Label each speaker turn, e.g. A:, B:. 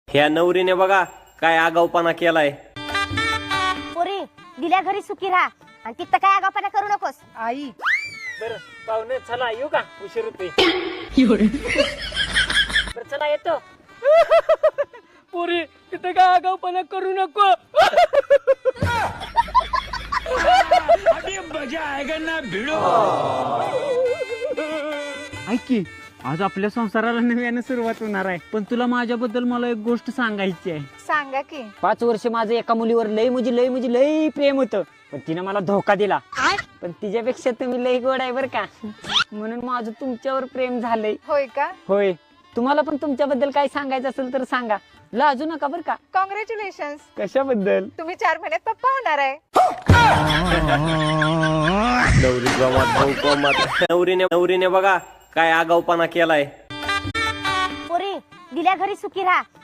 A: ह्या नवरीने बघा काय आगाऊपणा केलाय.
B: पोरी दिल्या घरी सुखी राहा आणि तिथं काय आगाऊपणा करू नकोस.
C: आई
D: बरं पाहुणे चला येऊ का, उशीर होतोय. बरं चला येतो. पोरी तिथं काय आगाऊपणा करू नको. ऐक की, आज आपल्या संसाराला नव्याने सुरुवात होणार आहे, पण तुला माझ्याबद्दल मला एक गोष्ट सांगायची आहे.
C: सांगा की.
D: 5 वर्ष माझं एका मुलीवर लय प्रेम होतं, पण तिने मला धोका दिला. पण तिच्यापेक्षा तुम्ही लय गोड आहे बर का, म्हणून माझं तुमच्यावर प्रेम झालंय.
C: होय का?
D: होय, तुम्हाला पण तुमच्याबद्दल काय सांगायचं असेल तर सांगा, लाजू नका बर का.
C: कॉंग्रॅच्युलेशन.
D: कशाबद्दल?
C: तुम्ही 4 महिन्यात पप्पा होणार आहे.
A: नवरीने बघा काय आगाऊपणा केलाय.
B: पोरी दिल्या घरी सुखी राहा